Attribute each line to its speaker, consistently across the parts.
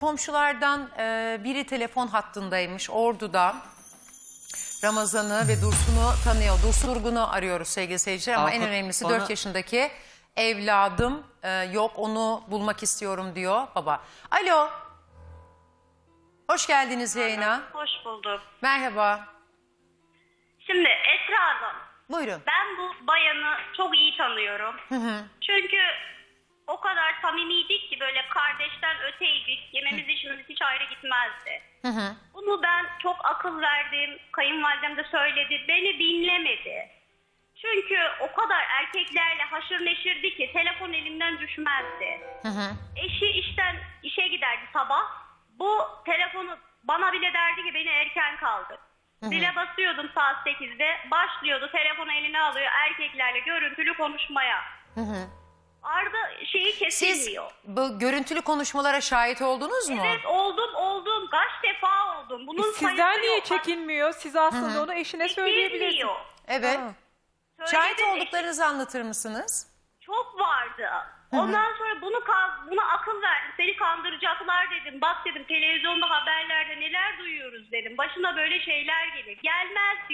Speaker 1: Komşulardan biri telefon hattındaymış Ordu'da. Ramazan'ı ve Dursun'u tanıyor. Dursun Durgun'u arıyoruz sevgili seyirciler ama en önemlisi 4 yaşındaki evladım yok, onu bulmak istiyorum diyor baba. Alo. Hoş geldiniz yayına.
Speaker 2: Hoş bulduk.
Speaker 1: Merhaba.
Speaker 2: Şimdi Esra Hanım,
Speaker 1: Buyurun.
Speaker 2: ben bu bayanı çok iyi tanıyorum. Çünkü o kadar samimiydik ki böyle kardeşten öteydik. Yememiz işimiz hiç ayrı gitmezdi. Bunu ben çok akıl verdim. Kayınvalidem de söyledi. Beni dinlemedi. Çünkü o kadar erkeklerle haşır neşirdi ki telefon elimden düşmezdi. Eşi işe giderdi sabah. Bu telefonu bana bile derdi ki beni erken kaldır. Zile basıyordum saat 8'de. Başlıyordu, telefonu eline alıyor erkeklerle görüntülü konuşmaya. Arda şeyi
Speaker 1: Siz
Speaker 2: kesilmiyor.
Speaker 1: bu görüntülü konuşmalara şahit oldunuz mu?
Speaker 2: Evet, oldum. Kaç defa oldum. Bunun
Speaker 3: Sizden
Speaker 2: sayısı
Speaker 3: niye
Speaker 2: yok.
Speaker 3: çekinmiyor? Siz aslında onu eşine söyleyebilirsiniz.
Speaker 2: Kesilmiyor.
Speaker 1: Evet.
Speaker 3: Ha.
Speaker 1: Şahit
Speaker 2: Söyledi,
Speaker 1: olduklarınızı anlatır mısınız?
Speaker 2: çok vardı. Ondan sonra buna akıl verdim. Seni kandıracaklar dedim. Bak dedim, televizyonda haberlerde neler duyuyoruz dedim. Başına böyle şeyler gelir. Gelmez diyor.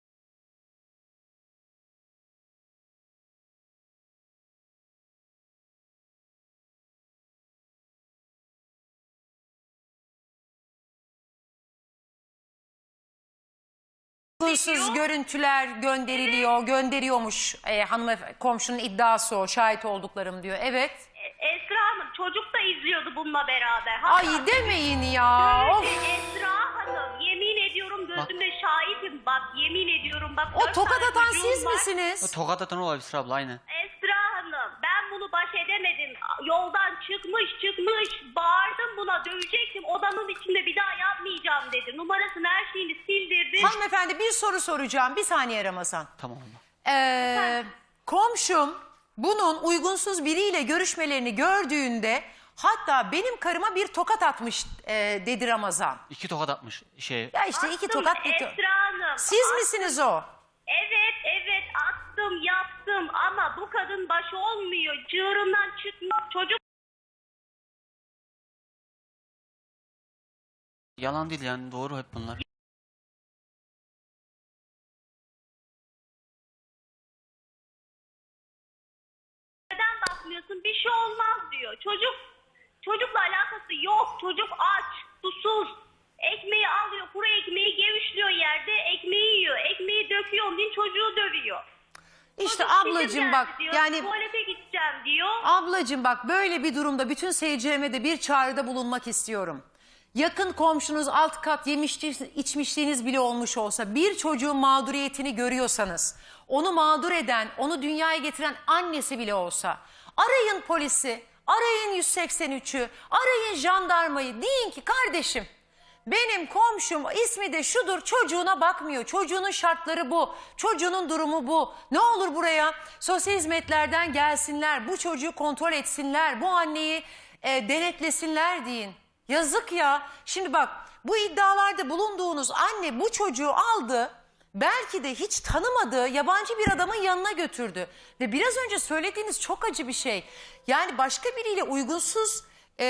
Speaker 1: Uygunsuz görüntüler gönderiyormuş komşunun iddiası o, şahit olduklarım diyor. Evet.
Speaker 2: Esra Hanım çocuk da izliyordu bununla beraber.
Speaker 1: Ay demeyin ya.
Speaker 2: Öyle
Speaker 1: Of.
Speaker 2: Esra Hanım, yemin ediyorum gözümle şahitim, bak yemin ediyorum bak.
Speaker 1: O
Speaker 2: 4
Speaker 1: tokat
Speaker 2: tane
Speaker 1: atan
Speaker 2: çocuğum
Speaker 1: siz
Speaker 2: var.
Speaker 1: misiniz?
Speaker 4: Tokat atan olabilir Esra abla, aynı.
Speaker 2: Esra Hanım, ben bunu baş edemedim. Yoldan çıkmış. Bağırdım buna, dövecektim. Odanın içinde bir daha yapmayacağım dedi. Numarasını, her şeyini sildirdi.
Speaker 1: Hanımefendi bir soru soracağım. Bir saniye Ramazan.
Speaker 4: Tamam abla.
Speaker 1: Komşum bunun uygunsuz biriyle görüşmelerini gördüğünde hatta benim karıma bir tokat atmış dedi Ramazan.
Speaker 4: 2 tokat atmış
Speaker 1: Ya işte iki
Speaker 2: Attım
Speaker 1: tokat.
Speaker 2: Esra Hanım.
Speaker 1: Siz misiniz o?
Speaker 2: Evet attım, yaptım ama bu kadın baş olmuyor. Cığırından çıkmıyor. Çocuk
Speaker 4: Yalan değil yani, doğru hep bunlar.
Speaker 2: neden bakmıyorsun? Bir şey olmaz diyor. Çocukla alakası yok. Çocuk aç, susuz. Ekmeği alıyor, kuru ekmeği gevişliyor yerde. Ekmeği yiyor. Ekmeği döküyor. Onun için çocuğu dövüyor.
Speaker 1: İşte
Speaker 2: Çocuk
Speaker 1: ablacığım
Speaker 2: bizim
Speaker 1: bak
Speaker 2: geldi diyor.
Speaker 1: yani
Speaker 2: Tuvalete gideceğim diyor.
Speaker 1: ablacığım bak böyle bir durumda bütün seyircilerime de bir çağrıda bulunmak istiyorum. Yakın komşunuz alt kat içmişliğiniz bile olmuş olsa bir çocuğun mağduriyetini görüyorsanız onu mağdur eden, onu dünyaya getiren annesi bile olsa arayın polisi, arayın 183'ü, arayın jandarmayı, deyin ki kardeşim benim komşum ismi de şudur, çocuğuna bakmıyor, çocuğunun şartları bu, çocuğunun durumu bu. Ne olur buraya sosyal hizmetlerden gelsinler, bu çocuğu kontrol etsinler, bu anneyi denetlesinler deyin. Yazık ya. Şimdi bak bu iddialarda bulunduğunuz anne bu çocuğu aldı. Belki de hiç tanımadığı yabancı bir adamın yanına götürdü. Ve biraz önce söylediğiniz çok acı bir şey. Yani başka biriyle uygunsuz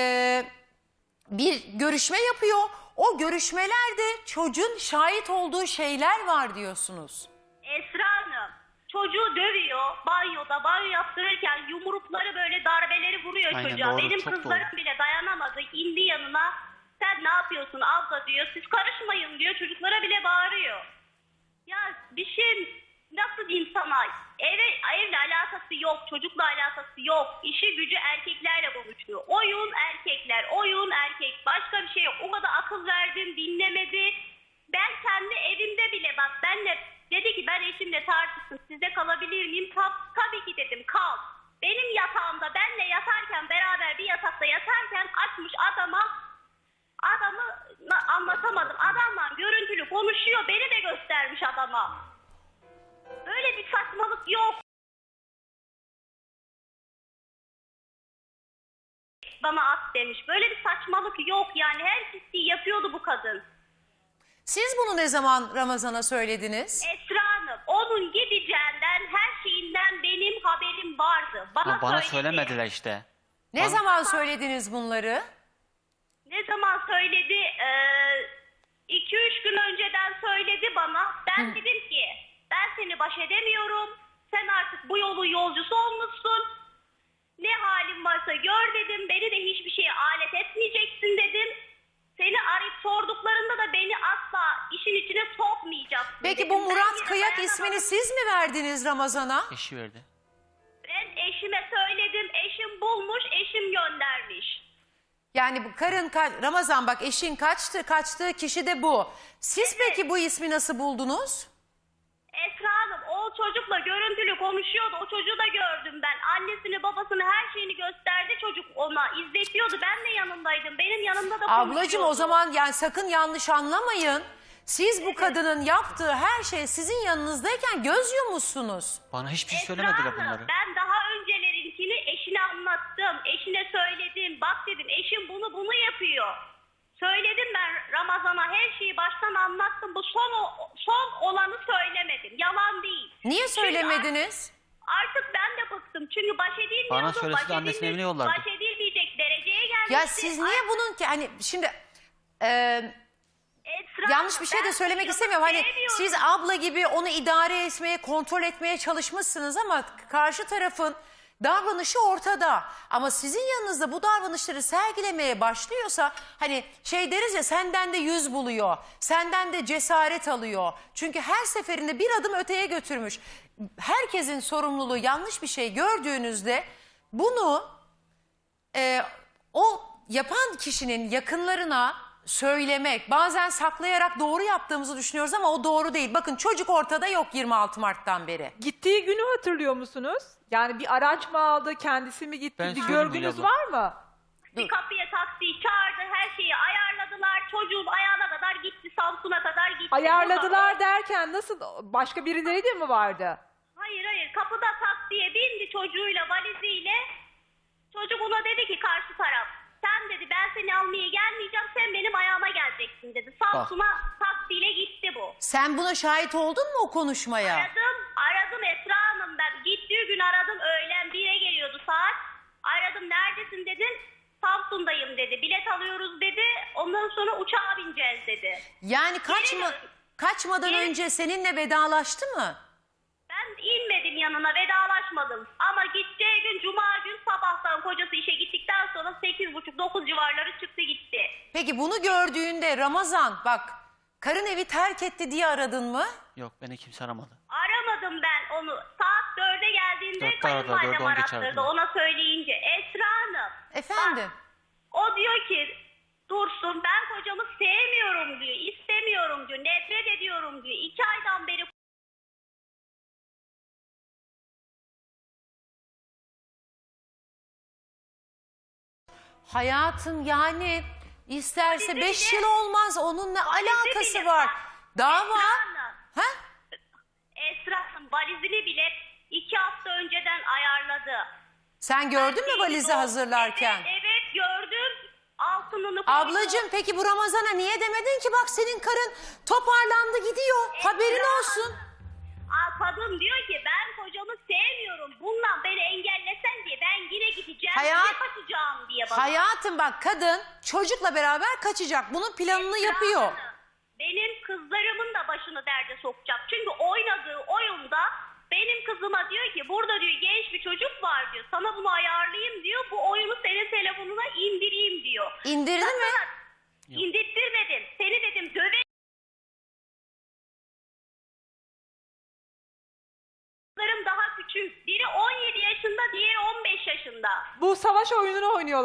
Speaker 1: bir görüşme yapıyor. O görüşmelerde çocuğun şahit olduğu şeyler var diyorsunuz.
Speaker 2: Esra Hanım çocuğu dövüyor banyoda, banyo yaptırırken yumrukları böyle darbeleri vuruyor
Speaker 4: Aynen,
Speaker 2: çocuğa.
Speaker 4: doğru,
Speaker 2: Benim
Speaker 4: çok
Speaker 2: kızlarım
Speaker 4: doğru.
Speaker 2: bile dayanamadı, indi yanına. Sen ne yapıyorsun abla diyor, siz karışmayın diyor, çocuklara bile bağırıyor. Ya bir şey nasıl diyeyim sana, evle alakası yok, çocukla alakası yok. İşi gücü erkeklerle konuşuyor. Oyun erkek, başka bir şey yok. O kadar akıl verdim, dinlemedi. Ben kendi evimde bile bak, dedi ki ben eşimle tartıştım, sizde kalabilir miyim? Tabii ki dedim, kal. Benim yatağımda benle yatarken, beraber bir yatakta yatarken açmış adamı anlatamadım. Adamla görüntülü konuşuyor, beni de göstermiş adama. Böyle bir saçmalık yok. Bana at demiş. Böyle bir saçmalık yok yani, her pisliği yapıyordu bu kadın.
Speaker 1: Siz bunu ne zaman Ramazan'a söylediniz?
Speaker 2: Esra Hanım, onun gideceğinden, her şeyinden benim haberim vardı.
Speaker 4: Ama bana
Speaker 2: söyledi.
Speaker 4: söylemediler işte.
Speaker 1: Ne zaman söylediniz bunları?
Speaker 2: Ne zaman söyledi? 2-3 gün önceden söyledi bana. Ben dedim ki ben seni baş edemiyorum. Sen artık bu yolun yolcusu olmuşsun. Ne halin varsa gör dedim. Beni de hiçbir şeye alet etmeyeceksin dedim. Seni arayıp sorduklarında da beni asla işin içine sokmayacaksın
Speaker 1: Peki
Speaker 2: dedim.
Speaker 1: bu
Speaker 2: Ben
Speaker 1: Murat
Speaker 2: yine
Speaker 1: Kıyak
Speaker 2: dayanamadım.
Speaker 1: ismini siz mi verdiniz Ramazan'a?
Speaker 4: Eşi verdi.
Speaker 2: Ben eşime söyledim. Eşim bulmuş, eşim göndermiş.
Speaker 1: Yani bu karın Ramazan bak eşin kaçtığı kişi de bu. Siz peki bu ismi nasıl buldunuz?
Speaker 2: Esra Hanım o çocukla görüntülü konuşuyordu. O çocuğu da gördüm ben. Annesini babasını her şeyini gösterdi çocuk ona. İzletiyordu. Ben de yanındaydım. Benim yanımda da konuşuyordu.
Speaker 1: Ablacığım o zaman yani sakın yanlış anlamayın. Siz bu kadının yaptığı her şey sizin yanınızdayken göz yummuşsunuz.
Speaker 4: Bana hiçbir şey
Speaker 2: Esra
Speaker 4: söylemediler
Speaker 2: Hanım,
Speaker 4: bunları.
Speaker 2: ben daha öncelerinkini eşine anlattım. Eşine söyledim. Bak dedim eşim bunu yapıyor. Söyledim ben Ramazan'a her şeyi baştan anlattım. Bu son olanı söylemedim. Yalan değil.
Speaker 1: Niye
Speaker 2: Çünkü
Speaker 1: söylemediniz?
Speaker 2: Artık ben de bıktım. Çünkü baş edilmiyordum.
Speaker 4: Bana söylese de annesinin evine yollardı.
Speaker 2: Baş edilmeyecek dereceye gelmişti.
Speaker 1: Ya siz niye bunun ki hani şimdi
Speaker 2: Esra
Speaker 1: yanlış
Speaker 2: Hanım,
Speaker 1: bir şey de
Speaker 2: ben
Speaker 1: söylemek
Speaker 2: çocuğumu
Speaker 1: istemiyorum. Hani
Speaker 2: sevmiyorum.
Speaker 1: siz abla gibi onu idare etmeye, kontrol etmeye çalışmışsınız ama karşı tarafın davranışı ortada. Ama sizin yanınızda bu davranışları sergilemeye başlıyorsa hani şey deriz ya senden de yüz buluyor. Senden de cesaret alıyor. Çünkü her seferinde bir adım öteye götürmüş. Herkesin sorumluluğu yanlış bir şey gördüğünüzde bunu o yapan kişinin yakınlarına söylemek, bazen saklayarak doğru yaptığımızı düşünüyoruz ama o doğru değil. Bakın çocuk ortada yok 26 Mart'tan beri.
Speaker 3: Gittiği günü hatırlıyor musunuz? Yani bir araç mı aldı, kendisi mi gitti?
Speaker 4: Ben
Speaker 3: Bir
Speaker 4: söyleyeyim
Speaker 3: görgünüz
Speaker 4: Hülya abla.
Speaker 3: var mı?
Speaker 2: Bir kapıya taksiyi çağırdı, her şeyi ayarladılar. Çocuğum ayağına kadar gitti, Samsun'a kadar gitti.
Speaker 3: Ayarladılar derken nasıl? Başka birileri de mi vardı?
Speaker 2: Hayır, kapıda taksiye bindi çocuğuyla, valiziyle. Çocuk ona dedi ki karşı taraf, sen dedi ben seni almaya gelmeyeceğim, sen benim ayağıma geleceksin dedi. Samsun'a taksiyle gitti bu.
Speaker 1: Sen buna şahit oldun mu o konuşmaya?
Speaker 2: Aradım Esra Hanım ben. Gittiği gün aradım, öğlen 1'e geliyordu saat. Aradım, neredesin dedim. Samsun'dayım dedi. Bilet alıyoruz dedi. Ondan sonra uçağa bineceğiz dedi.
Speaker 1: Yani kaçmadan
Speaker 2: Geri-
Speaker 1: önce seninle vedalaştı mı?
Speaker 2: Ben inmedim yanına, vedalaşmadım. Ama gideceği gün cuma gün sabahtan kocası işe gittikten sonra 8.30-9 civarları çıktı gitti.
Speaker 1: Peki bunu gördüğünde Ramazan bak karın evi terk etti diye aradın mı?
Speaker 4: Yok beni kimse aramadı.
Speaker 2: Aramadım ben onu. Saat 4'e geldiğinde
Speaker 4: 4'te aradılar,
Speaker 2: kayınvalidem
Speaker 4: 4'e 10 geçe
Speaker 2: arattırdı
Speaker 4: aradılar.
Speaker 2: ona söyleyince. Esra Hanım.
Speaker 1: Efendim?
Speaker 2: O diyor ki Dursun ben kocamı sevmiyorum diyor, istemiyorum diyor, nefret ediyorum diyor. 2 aydan beri
Speaker 1: Hayatım yani isterse
Speaker 2: Valizi
Speaker 1: 5
Speaker 2: bile-
Speaker 1: yıl olmaz onunla alakası
Speaker 2: bile-
Speaker 1: var.
Speaker 2: bak,
Speaker 1: Dava.
Speaker 2: Esra Hanım,
Speaker 1: Ha?
Speaker 2: Esra Hanım valizini bile 2 hafta önceden ayarladı.
Speaker 1: Sen gördün mü valizi hazırlarken?
Speaker 2: Evet gördüm. Altınını koydu.
Speaker 1: Ablacığım peki bu Ramazan'a niye demedin ki bak senin karın toparlandı gidiyor. Haberin olsun.
Speaker 2: Kadın diyor ki ben kocamı sevmiyorum. Bundan beni engellesen diye ben yine gideceğim.
Speaker 1: Hayat-
Speaker 2: Yine kaçacağım diye bana.
Speaker 1: Hayatım bak kadın çocukla beraber kaçacak. Bunun planını yapıyor.
Speaker 2: Hanım, benim kızlarımın da başını derde sokacak. Çünkü oynadığı oyunda benim kızıma diyor ki burada diyor genç bir çocuk var diyor. Sana bunu ayarlayayım diyor. Bu oyunu senin telefonuna indireyim diyor.
Speaker 1: İndirdi mi?
Speaker 2: İndirttirmedim. Seni dedim döve. Kızlarım daha küçük. Biri 17 yaşında, diğeri 15 yaşında.
Speaker 3: Bu savaş oyununu oynuyorlar.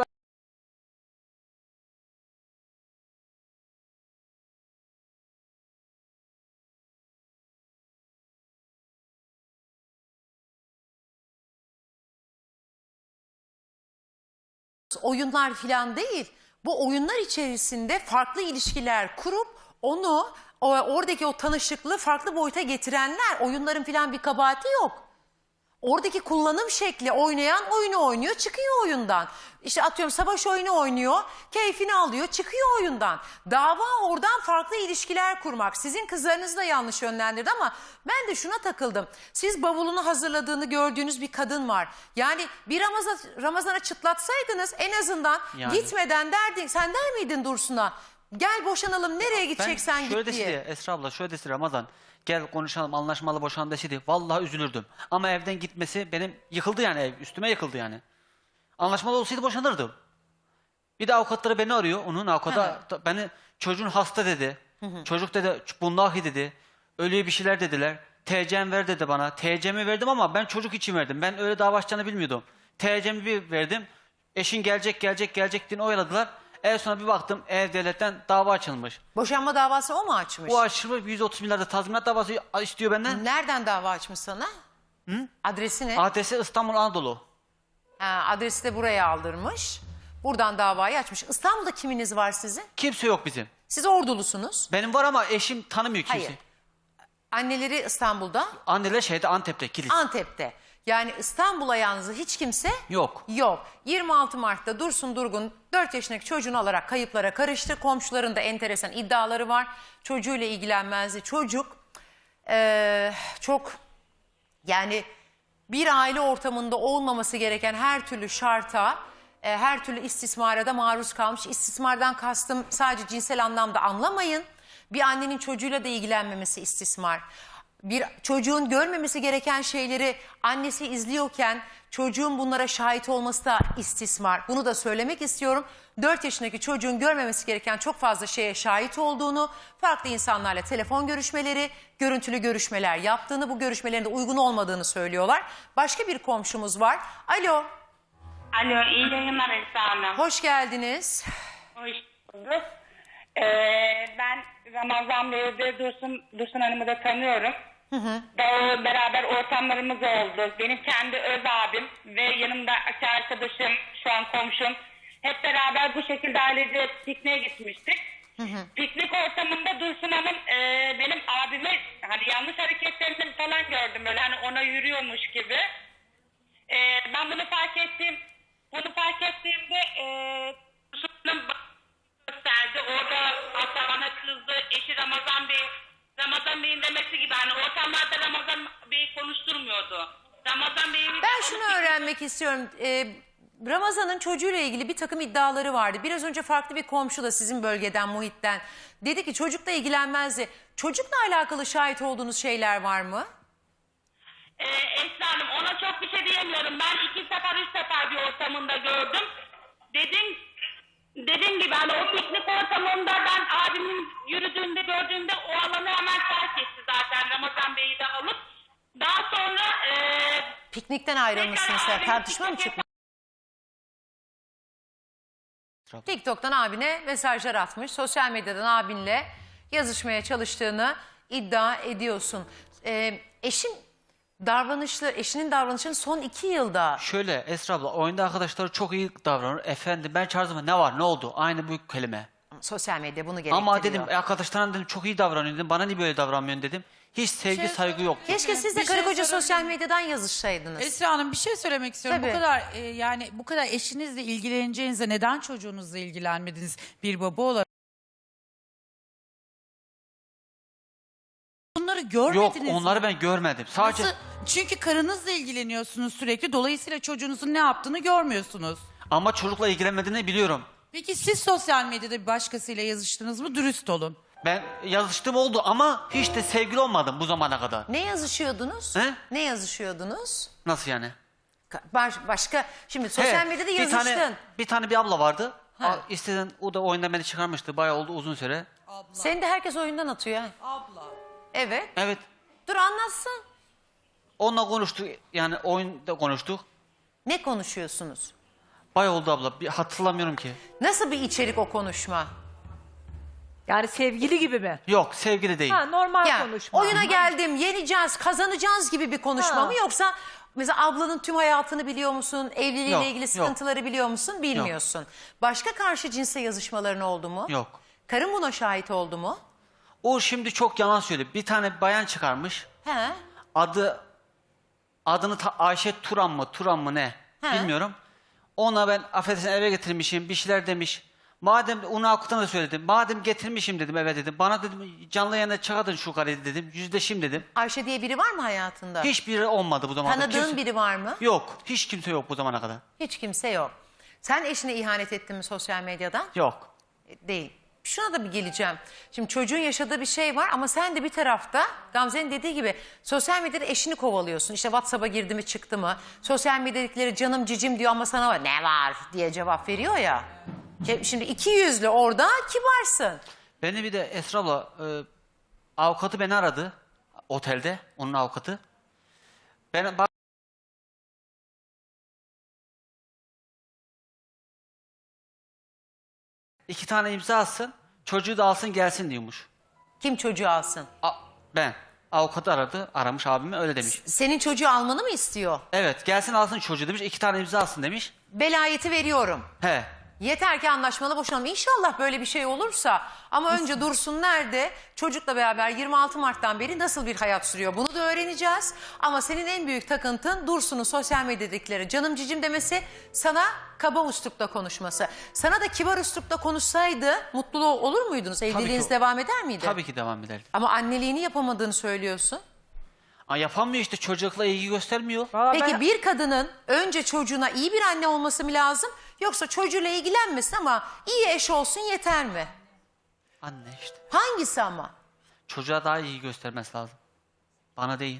Speaker 1: Oyunlar falan değil. Bu oyunlar içerisinde farklı ilişkiler kurup onu oradaki o tanışıklığı farklı boyuta getirenler. Oyunların falan bir kabahati yok. Oradaki kullanım şekli oynayan oyunu oynuyor, çıkıyor oyundan. İşte atıyorum savaş oyunu oynuyor, keyfini alıyor, çıkıyor oyundan. Dava oradan farklı ilişkiler kurmak. Sizin kızlarınız da yanlış yönlendirdi ama ben de şuna takıldım. Siz bavulunu hazırladığını gördüğünüz bir kadın var. Yani bir Ramazan'a çıtlatsaydınız en azından
Speaker 4: Yani.
Speaker 1: gitmeden derdin. Sen der miydin Dursun'a? Gel boşanalım, nereye gideceksen
Speaker 4: şöyle
Speaker 1: git diye.
Speaker 4: deseydi Esra abla, şöyle deseydi Ramazan, gel konuşalım, anlaşmalı boşan deseydi vallahi üzülürdüm. Ama evden gitmesi benim yıkıldı yani, ev üstüme yıkıldı yani. Anlaşmalı olsaydı boşanırdım. Bir de avukatları beni arıyor, onun avukatı beni çocuğun hasta dedi. Çocuk dedi bundahi dedi. Ölüye bir şeyler dediler. TC'm ver dedi bana. TC'mi verdim ama ben çocuk için verdim. Ben öyle dava açacağını bilmiyordum. TC'mi bir verdim. Eşin gelecek diye oyaladılar. En sonra bir baktım devletten dava açılmış.
Speaker 1: Boşanma davası o mu açmış?
Speaker 4: O açılmış 130 milyarda tazminat davası istiyor benden.
Speaker 1: Nereden dava açmış sana? Adresi ne?
Speaker 4: Adresi İstanbul Anadolu.
Speaker 1: Adresi de buraya aldırmış. Buradan davayı açmış. İstanbul'da kiminiz var sizin?
Speaker 4: Kimse yok bizim.
Speaker 1: Siz Ordulusunuz.
Speaker 4: Benim var ama eşim tanımıyor kimse.
Speaker 1: Hayır. Anneleri İstanbul'da,
Speaker 4: Anneler şeyde Antep'te, Kilis.
Speaker 1: Antep'te. Yani İstanbul'a yalnız hiç kimse
Speaker 4: Yok.
Speaker 1: yok. 26 Mart'ta Dursun Durgun 4 yaşındaki çocuğunu alarak kayıplara karıştı. Komşuların da enteresan iddiaları var. Çocuğuyla ilgilenmezdi. Çocuk çok yani bir aile ortamında olmaması gereken her türlü şarta, her türlü istismara da maruz kalmış. İstismardan kastım sadece cinsel anlamda anlamayın. Bir annenin çocuğuyla da ilgilenmemesi istismar. Bir çocuğun görmemesi gereken şeyleri annesi izliyorken çocuğun bunlara şahit olması da istismar. Bunu da söylemek istiyorum. 4 yaşındaki çocuğun görmemesi gereken çok fazla şeye şahit olduğunu, farklı insanlarla telefon görüşmeleri, görüntülü görüşmeler yaptığını, bu görüşmelerin de uygun olmadığını söylüyorlar. Başka bir komşumuz var. Alo,
Speaker 5: Alo, iyi yayınlar Esra Hanım.
Speaker 1: hoş geldiniz.
Speaker 5: Hoş bulduk. Ben Ramazan Bey'i de Dursun Hanım'ı da tanıyorum. Beraber ortamlarımız oldu. Benim kendi öz abim ve yanımdaki arkadaşım, şu an komşum. Hep beraber bu şekilde ailece pikniğe gitmiştik. Piknik ortamında Dursun Hanım benim abime hani yanlış hareketlerini falan gördüm. Böyle hani ona yürüyormuş gibi. Ben bunu fark ettiğimde Dursun Hanım gösterdi. Orada hatta bana kızdı. Eşi Ramazan Bey'in demesi gibi hani ortamlarda Ramazan Bey'i konuşturmuyordu. Ramazan Bey'in...
Speaker 1: Ben şunu öğrenmek istiyorum. Ramazan'ın çocuğuyla ilgili bir takım iddiaları vardı. Biraz önce farklı bir komşu da sizin bölgeden, muhitten dedi ki çocukla ilgilenmezdi. Çocukla alakalı şahit olduğunuz şeyler var mı?
Speaker 5: Esra Hanım ona çok bir şey diyemiyorum. Ben 3 sefer bir ortamında gördüm. Dediğim gibi hani o piknik ortamında ben abimin yürüdüğünde gördüğümde o alanı hemen terk etti zaten Ramazan Bey'i de alıp. Daha sonra
Speaker 1: Piknikten ayrılmışsınız.
Speaker 5: tekrar
Speaker 1: Tartışma mı
Speaker 5: piknik
Speaker 1: çıkmış? TikTok'tan abine mesajlar atmış. Sosyal medyadan abinle yazışmaya çalıştığını iddia ediyorsun. Eşinin davranışının son 2 yılda...
Speaker 4: Şöyle Esra abla, oyunda arkadaşları çok iyi davranır. Efendim ben çağırdım, ne var ne oldu? Aynı bu kelime.
Speaker 1: Sosyal medya bunu gerektiriyor.
Speaker 4: Ama dedim arkadaşlarına dedim çok iyi davranıyor dedim. Bana niye böyle davranmıyorsun dedim. Hiç sevgi saygı yok.
Speaker 1: Keşke siz de
Speaker 6: Bir
Speaker 1: karı
Speaker 6: şey
Speaker 1: koca
Speaker 6: sorabilir
Speaker 1: sosyal
Speaker 6: miyim?
Speaker 1: medyadan yazışsaydınız.
Speaker 6: Esra Hanım bir şey söylemek istiyorum.
Speaker 1: Tabii.
Speaker 6: Bu kadar yani bu kadar eşinizle ilgileneceğinize neden çocuğunuzla ilgilenmediniz bir baba olarak? Bunları
Speaker 4: Yok,
Speaker 6: görmediniz
Speaker 4: onları
Speaker 6: mi?
Speaker 4: ben görmedim. Sadece
Speaker 6: Nasıl? Çünkü karınızla ilgileniyorsunuz sürekli. Dolayısıyla çocuğunuzun ne yaptığını görmüyorsunuz.
Speaker 4: ama çocukla ilgilenmediğini biliyorum.
Speaker 6: Peki siz sosyal medyada bir başkasıyla yazıştınız mı? Dürüst olun.
Speaker 4: Ben yazıştım oldu ama hiç de sevgili olmadım bu zamana kadar.
Speaker 1: Ne yazışıyordunuz?
Speaker 4: He?
Speaker 1: Ne yazışıyordunuz?
Speaker 4: Nasıl yani?
Speaker 1: Başka şimdi sosyal
Speaker 4: He,
Speaker 1: medyada yazıştın.
Speaker 4: Bir tane bir abla vardı.
Speaker 1: Ha.
Speaker 4: İsteden o da oyundan beni çıkarmıştı. Bayağı oldu uzun süre.
Speaker 1: Seni de herkes oyundan atıyor. Ha.
Speaker 6: Abla.
Speaker 1: Evet.
Speaker 4: Evet.
Speaker 1: Dur anlatsın.
Speaker 4: Onunla konuştuk. Yani oyunda konuştuk.
Speaker 1: Ne konuşuyorsunuz?
Speaker 4: Bayağı oldu abla. Bir hatırlamıyorum ki.
Speaker 1: Nasıl bir içerik o konuşma?
Speaker 3: Yani sevgili gibi mi?
Speaker 4: Yok, sevgili değil.
Speaker 3: Ha, normal
Speaker 1: Ya
Speaker 3: konuşma.
Speaker 1: oyuna geldim, yeneceğiz, kazanacağız gibi bir konuşma
Speaker 3: Ha.
Speaker 1: mı yoksa mesela ablanın tüm hayatını biliyor musun? Evliliğiyle
Speaker 4: Yok,
Speaker 1: ilgili
Speaker 4: yok.
Speaker 1: sıkıntıları biliyor musun? Bilmiyorsun. Başka karşı cinse yazışmaların oldu mu?
Speaker 4: Yok.
Speaker 1: Karın buna şahit oldu mu?
Speaker 4: O şimdi çok yalan söylüyor. Bir tane bayan çıkarmış.
Speaker 1: He.
Speaker 4: Adını Ayşe Turan mı ne?
Speaker 1: He.
Speaker 4: Bilmiyorum. Ona ben affedersin eve getirmişim bir şeyler demiş. Madem onu avukatına da söyledim. Madem getirmişim dedim eve dedim. Bana dedim canlı yayına çıkardın şu karıyı dedim. Yüzleşim dedim.
Speaker 1: Ayşe diye biri var mı hayatında?
Speaker 4: Hiçbiri olmadı bu zamana kadar.
Speaker 1: Tanıdığın
Speaker 4: Kimse-
Speaker 1: biri var mı?
Speaker 4: Yok. Hiç kimse yok bu zamana kadar.
Speaker 1: Hiç kimse yok. Sen eşine ihanet ettin mi sosyal medyadan?
Speaker 4: Yok.
Speaker 1: Değil. Şuna da bir geleceğim. Şimdi çocuğun yaşadığı bir şey var ama sen de bir tarafta Gamze'nin dediği gibi sosyal medyada eşini kovalıyorsun. İşte WhatsApp'a girdi mi çıktı mı? Sosyal medyadakileri canım cicim diyor ama sana var ne var diye cevap veriyor ya. Şimdi iki yüzlü orada kibarsın.
Speaker 4: Beni bir de Esra abla avukatı beni aradı. Otelde. Onun avukatı. Ben iki tane imza atsın. Çocuğu da alsın gelsin diyormuş.
Speaker 1: Kim çocuğu alsın?
Speaker 4: Ben. Avukatı aramış abime öyle demiş.
Speaker 1: Senin çocuğu almanı mı istiyor?
Speaker 4: Evet gelsin alsın çocuğu demiş. 2 tane imza alsın demiş.
Speaker 1: Velayeti veriyorum.
Speaker 4: He.
Speaker 1: Yeter ki anlaşmalı boşanalım. İnşallah böyle bir şey olursa. Ama önce Dursun nerede? Çocukla beraber 26 Mart'tan beri nasıl bir hayat sürüyor? Bunu da öğreneceğiz. Ama senin en büyük takıntın Dursun'un sosyal medyadakilere canım cicim demesi, sana kaba üslupla konuşması. Sana da kibar üslupla konuşsaydı mutlu olur muydunuz? Evliliğiniz
Speaker 4: ki.
Speaker 1: devam eder miydi?
Speaker 4: Tabii ki devam ederdi.
Speaker 1: Ama anneliğini yapamadığını söylüyorsun.
Speaker 4: Yapamıyor işte çocukla ilgi göstermiyor.
Speaker 3: Vallahi
Speaker 1: Peki
Speaker 3: ben-
Speaker 1: bir kadının önce çocuğuna iyi bir anne olması mı lazım? Yoksa çocuğuyla ilgilenmesin ama iyi eş olsun yeter mi?
Speaker 4: Anne işte.
Speaker 1: Hangisi ama?
Speaker 4: Çocuğa daha iyi göstermesi lazım. Bana değil.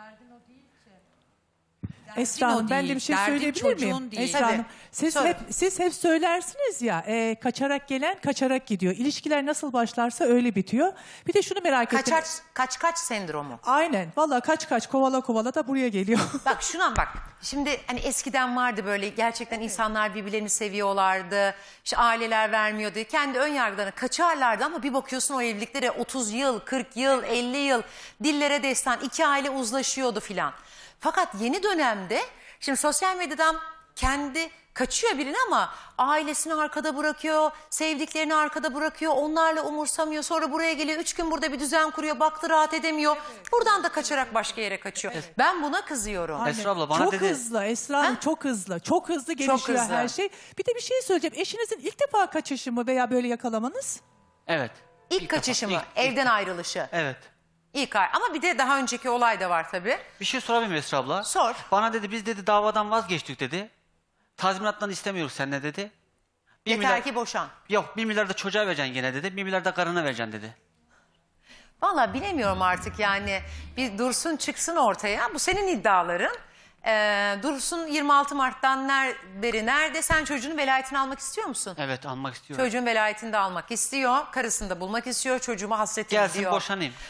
Speaker 7: Esra
Speaker 6: o
Speaker 7: Hanım ben de
Speaker 6: değil,
Speaker 7: bir şey
Speaker 6: derdin
Speaker 7: söyleyebilir
Speaker 6: çocuğun
Speaker 7: miyim?
Speaker 6: değil.
Speaker 7: Esra
Speaker 1: Tabii.
Speaker 7: Hanım siz
Speaker 1: Söyle.
Speaker 7: hep söylersiniz ya kaçarak gelen kaçarak gidiyor. İlişkiler nasıl başlarsa öyle bitiyor. Bir de şunu merak ettim.
Speaker 1: Kaç sendromu.
Speaker 7: Aynen. Vallahi kaç kovala kovala da buraya geliyor.
Speaker 1: Bak şuna bak. Şimdi hani eskiden vardı böyle gerçekten insanlar birbirlerini seviyorlardı. İşte aileler vermiyordu. Kendi ön yargılarına kaçarlardı ama bir bakıyorsun o evliliklere 30 yıl, 40 yıl, 50 yıl dillere destan, iki aile uzlaşıyordu filan. Fakat yeni dönemde şimdi sosyal medyadan kendi kaçıyor birini ama ailesini arkada bırakıyor, sevdiklerini arkada bırakıyor, onlarla umursamıyor. Sonra buraya geliyor, 3 gün burada bir düzen kuruyor, baktı rahat edemiyor. Buradan da kaçarak başka yere kaçıyor. Ben buna kızıyorum.
Speaker 7: Aynen.
Speaker 4: Esra abla bana
Speaker 7: çok
Speaker 4: dedi-
Speaker 7: hızlı Esra Hanım çok hızlı. Çok hızlı gelişiyor
Speaker 1: hızlı.
Speaker 7: her şey. Bir de bir şey söyleyeceğim. Eşinizin ilk defa kaçışı mı veya böyle yakalamanız?
Speaker 4: Evet.
Speaker 1: İlk kaçışı
Speaker 4: defa,
Speaker 1: mı?
Speaker 4: ilk-
Speaker 1: Evden ayrılışı.
Speaker 4: Evet.
Speaker 1: İlk ay. Ama bir de daha önceki olay da var tabii.
Speaker 4: Bir şey sorabilir miyim Esra abla?
Speaker 1: Sor.
Speaker 4: Bana dedi biz dedi davadan vazgeçtik dedi. Tazminattan istemiyoruz seninle dedi.
Speaker 1: Yeter ki boşan.
Speaker 4: Yok 1 milyar da çocuğa vereceksin gene dedi. 1 milyar da karına vereceksin dedi.
Speaker 1: Vallahi bilemiyorum artık yani. Bir Dursun çıksın ortaya. Bu senin iddiaların. Dursun 26 Mart'tan beri nerede? Sen çocuğun velayetini almak istiyor musun?
Speaker 4: Evet almak istiyorum.
Speaker 1: Çocuğun velayetini de almak istiyor. Karısını da bulmak istiyor. Çocuğuma hasretim
Speaker 4: Gelsin
Speaker 1: diyor.
Speaker 4: boşanayım.